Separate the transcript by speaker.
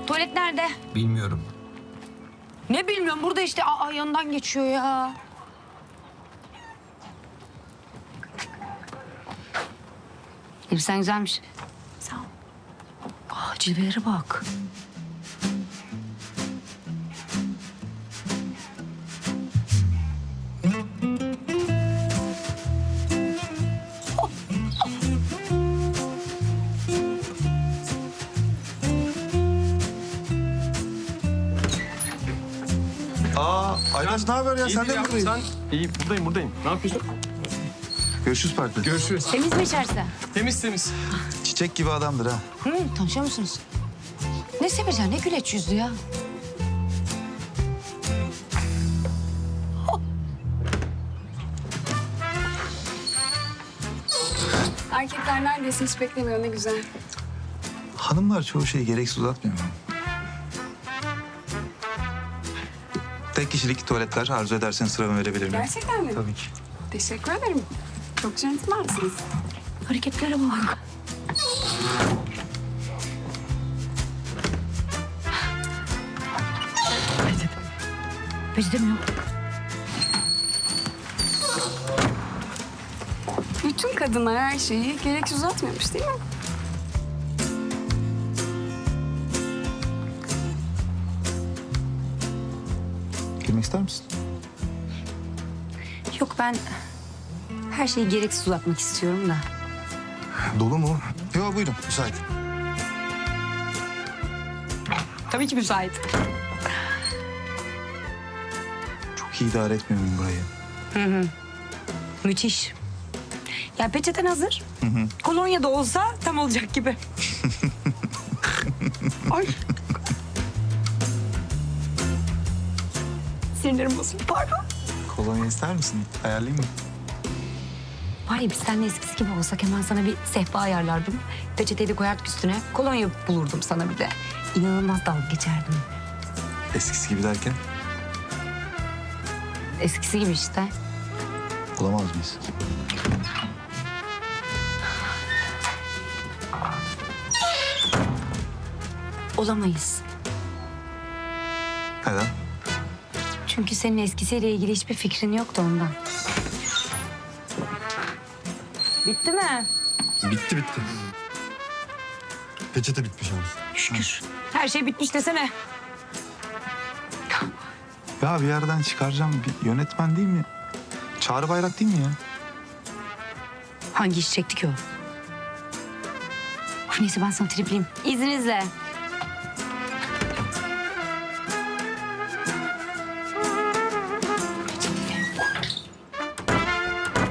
Speaker 1: Tuvalet nerede?
Speaker 2: Bilmiyorum.
Speaker 1: Ne bilmiyorum, burada işte. Aa, yanından geçiyor ya. Elbisen güzelmiş. Sağ ol. Aa, cilvelere bak.
Speaker 3: Ayvaz ne haber ya? Sen de mi buradayım?
Speaker 4: İyi, buradayım. Ne yapıyorsun?
Speaker 3: Görüşürüz parkta.
Speaker 4: Görüşürüz.
Speaker 1: Temiz mi içerisi?
Speaker 4: Temiz.
Speaker 3: Çiçek gibi adamdır ha.
Speaker 1: Tanışıyor musunuz? Ne Semircan, ne güleç yüzlü ya.
Speaker 5: Erkekler neredeyse hiç beklemiyor, ne güzel.
Speaker 3: Hanımlar çoğu şeyi gereksiz uzatmıyor mu? Tek kişilik tuvaletler arzu ederseniz sıramı verebilir miyim?
Speaker 5: Gerçekten mi?
Speaker 3: Tabii ki.
Speaker 5: Teşekkür ederim. Çok centilmensiniz.
Speaker 1: Hareketlere bak. Peçete mi yok?
Speaker 5: Bütün kadınlar her şeyi gereksiz uzatmıyormuş değil mi?
Speaker 3: Girmek ister misin?
Speaker 1: Yok, ben her şeyi gereksiz uzatmak istiyorum da.
Speaker 3: Dolu mu? Yok buyurun müsait.
Speaker 1: Tabii ki müsait.
Speaker 3: Çok iyi idare etmiyor muyum burayı?
Speaker 1: Müthiş. Ya peçeten hazır. Kolonya da olsa tam olacak gibi. Ay. Sinirlerim bozuldu, pardon.
Speaker 3: Kolonya ister misin? Ayarlayayım mı?
Speaker 1: Var ya, biz seninle eskisi gibi olsak hemen sana bir sehpa ayarlardım. Peçeteyi de koyardık üstüne. Kolonya bulurdum sana bir de. İnanılmaz dalga geçerdim.
Speaker 3: Eskisi gibi derken
Speaker 1: Eskisi gibi işte.
Speaker 3: olamaz mıyız?
Speaker 1: Olamayız.
Speaker 3: Neden?
Speaker 1: Çünkü senin eskisiyle ilgili hiçbir fikrin yoktu ondan. Bitti mi?
Speaker 4: Bitti. Peçete bitmiş abi.
Speaker 1: Şükür. Her şey bitmiş desene.
Speaker 3: Ya bir yerden çıkaracağım bir yönetmen değil mi? Çağrı Bayrak değil mi ya?
Speaker 1: Hangi iş çekti ki o? Of, neyse ben sana tripliyim. İzninizle.